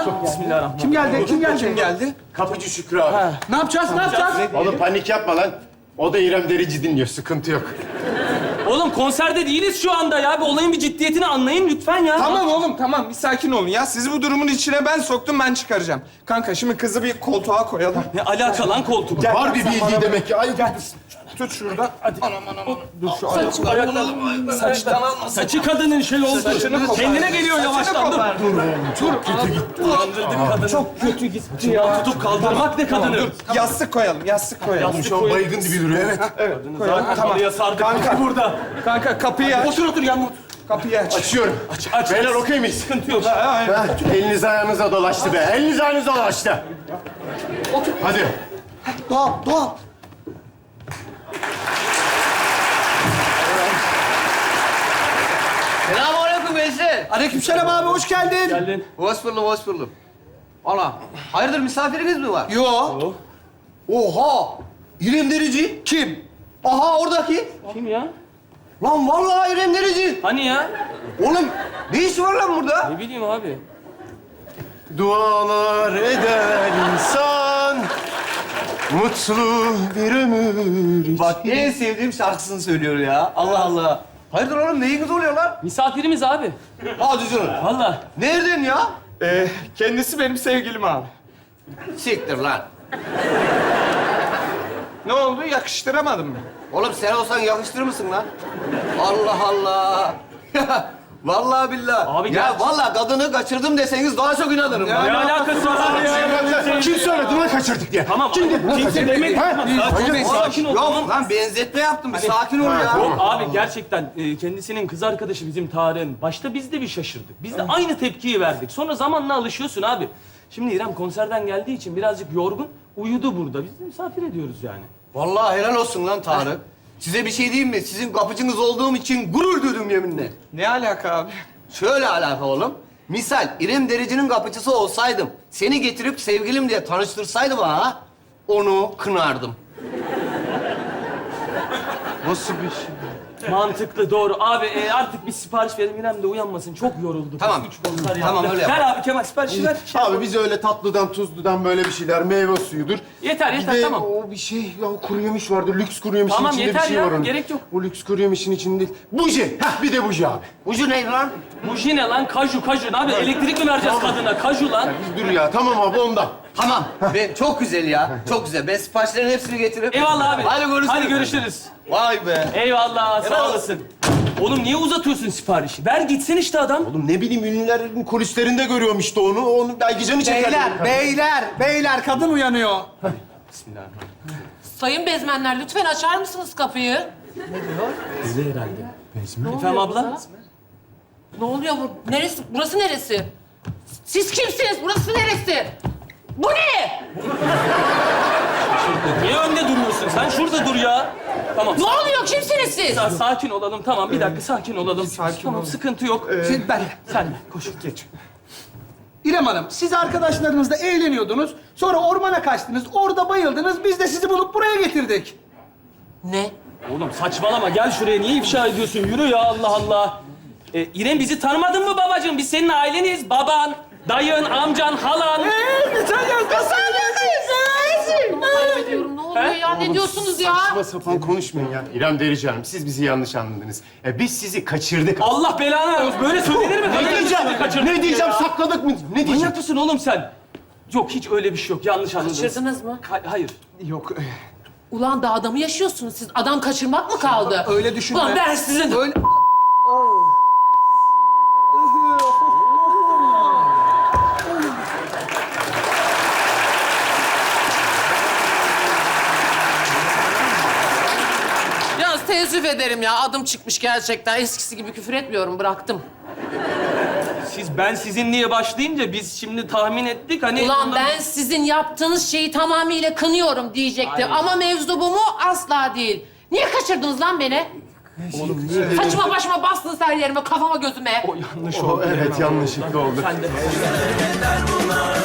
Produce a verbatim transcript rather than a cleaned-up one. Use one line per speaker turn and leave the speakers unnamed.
Bismillahirrahmanirrahim.
Kim geldi? Kim geldi?
Kim geldi?
Kapıcı Şükrü abi.
Ne yapacağız? Ne yapacağız?
Oğlum panik yapma lan. O da İrem Derici dinliyor, sıkıntı yok.
Oğlum konserde değiliz şu anda ya. Bir olayın bir ciddiyetini anlayın lütfen ya.
Tamam oğlum tamam bir sakin olun ya. Sizi bu durumun içine ben soktum ben çıkaracağım. Kanka şimdi kızı bir koltuğa koyalım.
Ne alaka lan koltuk?
Var bir bildiği demek ki. Ay gel.
Tut şurada.
Saçı, ayaklarım. Saçtan alma. Saçı kadının şey oldu.
Saçını kopar.
Kendine geliyor yavaştan. Dur.
kopar.
Dur. Çok kötü gitti. Dolandırdık kadını. Çok kötü gitti ya. Tutup kaldırmak ne kadını?
Yastık koyalım yastık koyalım.
Şu an baygın gibi duruyor, evet.
Evet koyalım.
Tamam. Sardık
Kanka.
burada.
Kanka kapıyı aç.
Otur otur yanına.
Kapıyı aç.
Açıyorum.
Aç aç.
Beyler okey miyiz?
Sıkıntı yok.
Ha, evet.
Ha, eliniz ayağınıza dolaştı be. Eliniz ayağınıza dolaştı.
Otur.
Hadi.
Doğal, doğal.
Selamünaleyküm Veysel.
Aleykümselam abi, hoş geldin.
Geldin.
Hoş buldum, hoş buldum. Ana, hayırdır misafiriniz mi var?
Yo.
Oha! İrem Derici.
Kim?
Aha oradaki.
Kim ya?
Lan vallahi İrem Derici.
Hani ya?
Oğlum ne işi var lan burada?
Ne bileyim abi.
Dualar eder insan, mutlu bir ömür için.
Bak en sevdiğim şarkısını söylüyor ya. Allah Allah. Hayırdır oğlum neyiniz oluyor lan?
Misafirimiz abi.
Hadi canım.
Vallahi.
Nereden ya?
Ee, kendisi benim sevgilim abi.
Siktir lan.
Ne oldu? Yakıştıramadın mı?
Oğlum sen olsan yakıştırır mısın lan? Allah Allah. Vallahi billahi.
Abi
ya
gerçi-
vallahi kadını kaçırdım deseniz daha çok inanırım.
Ya
lan.
Ne alakası var abi ya?
Kim söyledi lan kaçırdık diye?
Tamam. Kim dedi? Kimse demedi. Sakin ol, sakin ol.
Yok
Tamam.
lan benzetme yaptım. Bir sakin ol ya.
Yok abi gerçekten e, kendisinin kız arkadaşı bizim Tarık'ın. Başta biz de bir şaşırdık. Biz de aynı tepkiyi verdik. Sonra zamanla alışıyorsun abi. Şimdi İrem konserden geldiği için birazcık yorgun. Uyudu burada. Biz de misafir ediyoruz yani.
Vallahi helal olsun lan Tarık. Size bir şey diyeyim mi? Sizin kapıcınız olduğum için gurur duydum yeminle.
Ne alaka abi?
Şöyle alaka oğlum. Misal İrem Derici'nin kapıcısı olsaydım, seni getirip sevgilim diye tanıştırsaydı bana, onu kınardım.
Nasıl bir şey?
Mantıklı, doğru. Abi e, artık bir sipariş verelim. İrem de uyanmasın. Çok yoruldu.
Tamam.
Üç konser
Tamam,
yaptı.
öyle
Ver
yap.
abi Kemal siparişi ver. Şey
Abi
yapalım.
biz öyle tatlıdan, tuzludan böyle bir şeyler, meyve suyudur.
Yeter,
Bir
yeter,
de
tamam.
o bir şey, ya o kuru yemiş vardı, lüks kuru yemişin
Tamam,
içinde
yeter
bir şey
ya,
var onun.
gerek yok.
O lüks kuru yemişin içinde değil. Buji, heh bir de buji abi.
Ucu neydi lan?
Buji ne lan? Kaju, kaju. Ne abi? Elektrik mi vereceğiz kadına? Kaju lan.
Biz dur ya, tamam abi ondan.
Tamam. Ben, çok güzel ya. Çok güzel. Ben siparişlerin hepsini getiririm.
Eyvallah abi.
Hadi görüşürüz.
Hadi görüşürüz.
Vay be.
Eyvallah, sağ
Helal
olasın. Oğlum niye uzatıyorsun siparişi? Ver gitsin işte adam.
Oğlum ne bileyim ünlülerin kulislerinde görüyorum işte onu. Onu belki canı çeker.
Beyler, beyler, beyler, kadın uyanıyor.
Sayın bezmenler lütfen açar mısınız kapıyı?
Öyle herhalde. Efendim abla?
Ne oluyor bu? Neresi? Burası neresi? Siz kimsiniz? Burası neresi? Bu ne?
Niye önde duruyorsun? Sen şurada dur ya. Tamam.
Ne oluyor? Kimsiniz siz?
Sa- sakin olalım. Tamam bir dakika sakin olalım.
sakin
tamam
olun.
sıkıntı yok.
Şimdi ben,
Sen de koş.
Geç.
İrem Hanım, siz arkadaşlarınızla eğleniyordunuz. Sonra ormana kaçtınız, orada bayıldınız. Biz de sizi bulup buraya getirdik.
Ne?
Oğlum saçmalama gel şuraya. Niye ifşa ediyorsun? Yürü ya Allah Allah. Ee, İrem bizi tanımadın mı babacığım? Biz senin aileniz. Baban, dayın, amcan, halan.
Ee, geçen yaz nasıl
Kaybediyorum. Ne oluyor
He?
ya? Ne diyorsunuz ya?
Saçma sapan konuşmayın ya. İrem Derici Hanım, siz bizi yanlış anladınız. E, biz sizi kaçırdık.
Allah belanı versin. Böyle söylenir mi?
Ne diyeceğim? Ne diyeceğim? Sakladık mı? Ne diyeceğim?
Manyak mısın oğlum sen? Yok hiç öyle bir şey yok. Yanlış anladınız.
Kaçırdınız mı?
Ha- hayır.
Yok.
Ulan dağda mı yaşıyorsunuz siz? Adam kaçırmak mı kaldı?
Öyle düşünme.
Ulan ben sizin...
Öyle...
Yalnız teessüf ederim ya. Adım çıkmış gerçekten. Eskisi gibi küfür etmiyorum. Bıraktım.
Siz ben sizin diye başlayınca biz şimdi tahmin ettik hani...
Ulan
ondan-
ben sizin yaptığınız şeyi tamamıyla kınıyorum diyecektim.
Aynen.
Ama mevzu bu mu? Asla değil. Niye kaçırdınız lan beni?
Oğlum niye?
Saçma başıma bastınız her yerime, kafama gözüme.
O yanlış
O,
oldu.
evet yanlışlıkla oldu.
Sen de...